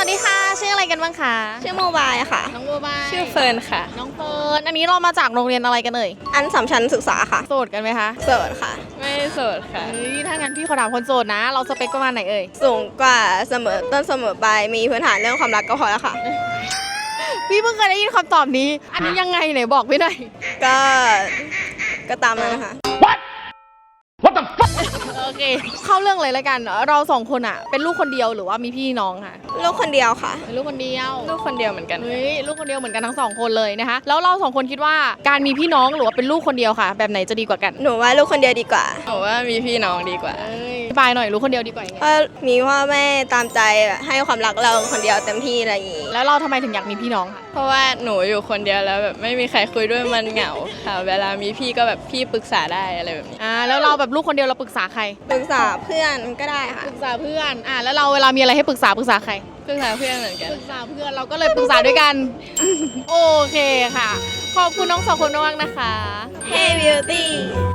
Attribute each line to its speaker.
Speaker 1: ดีค่ะชื่ออะไรกันบ้างคะ
Speaker 2: ชื่อโมบายค่ะ
Speaker 1: น้องโมบาย
Speaker 3: ชื่อเฟิร์นค่ะ
Speaker 1: น้องเฟิร์นอันนี้เรามาจากโรงเรียนอะไรกันเอ่ย
Speaker 2: อันสัมชัญศึกษาค่ะ
Speaker 1: โสดกันไหมคะ
Speaker 2: โสดค่ะ
Speaker 3: ไม่โสดค่ะ
Speaker 1: ถ้างั้นพี่ขอถามคนโสดนะเราสเปคประมาณไหนเอ่ย
Speaker 2: สูงกว่าเสมอต้นเสมอปลายมีพื้นฐานเรื่องความรักก็พอแล้วค่ะ
Speaker 1: พี่เพิ่งเคยได้ยินคำตอบนี้อันนี้ยังไงไหนบอกพี่หน่อย
Speaker 2: ก็ตามนั้นนะคะ
Speaker 1: โอเคเข้าเรื่องเลยแล้วกันเราสองคนอ่ะเป็นลูกคนเดียวหรือว่ามีพี่น้องค่ะ
Speaker 2: ลูกคนเดียวค่ะ
Speaker 1: เป็นลูกคนเดียว
Speaker 3: ลูกคนเดียวเหมือนกัน
Speaker 1: เฮ้ยลูกคนเดียวเหมือนกันทั้งสองคนเลยนะคะแล้วเราสองคนคิดว่าการมีพี่น้องหรือว่าเป็นลูกคนเดียวค่ะแบบไหนจะดีกว่ากัน
Speaker 2: หนูว่าลูกคนเดียวดีกว่า
Speaker 3: หนูว่ามีพี่น้องดีกว่า
Speaker 1: บายหน่อยลูกคนเดียวดีกว่ายังไง
Speaker 2: เพราะมีพ่อแม่ตามใจให้ความรักเราคนเดียวเต็มที่อะไรอย่างนี้
Speaker 1: แล้วเราทำไมถึงอยากมีพี่น้องค่ะ
Speaker 3: เพราะว่าหนูอยู่คนเดียวแล้วแบบไม่มีใครคุยด้วยมันเหงาค่ะเวลามีพี่ก็แบบพี่ปรึกษาได้อะไรแบบนี้
Speaker 1: แล้วเราแบบลูกคนเดียวเราปรึกษาใคร
Speaker 2: ปรึกษาเพื่อนก็ได้ค่ะ
Speaker 1: ปรึกษาเพื่อนแล้วเราเวลามีอะไรให้ปรึกษาใคร
Speaker 3: ปรึกษาเพื่อนเหมือนกัน
Speaker 1: ปรึกษาเพื่อนเราก็เลยปรึกษาด้วยกัน โอเคค่ะขอบคุณน้องสองคนมากนะคะ
Speaker 2: Hey Beauty